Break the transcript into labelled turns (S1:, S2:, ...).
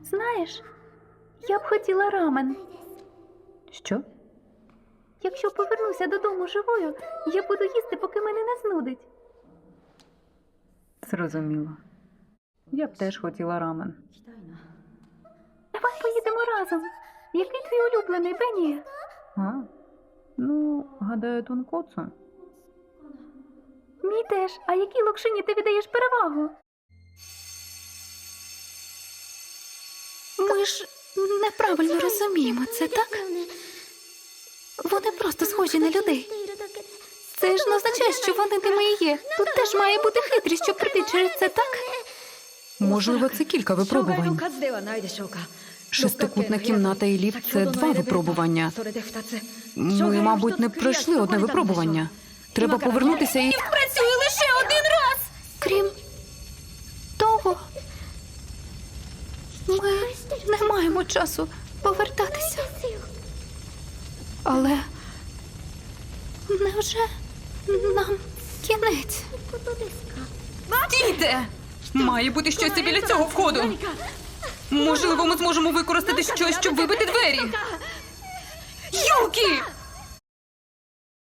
S1: Знаєш, я б хотіла рамен.
S2: Що?
S1: Якщо повернуся додому живою, я буду їсти, поки мене не знудить.
S2: Зрозуміло. Я б теж хотіла рамен.
S1: Давай поїдемо разом. Який твій улюблений, Бенні?
S2: А? Ну, гадаю, тункоцу.
S1: Мій теж. А якій локшині ти віддаєш перевагу? Ми ж неправильно розуміємо це, так? Вони просто схожі на людей. Це ж не означає, що вони ними і є. Тут теж має бути хитрість, щоб прийти через це, так?
S2: Можливо, це кілька випробувань. Шестикутна кімната і ліфт – це 2 випробування. Ми, мабуть, не пройшли одне випробування. Треба повернутися і...
S1: Працює лише один раз! Крім того, ми не маємо часу повертатися. Але невже нам кінець?
S2: Стійте! Має бути щось і біля цього входу. Можливо, ми зможемо використати щось, щоб вибити двері. Юкі!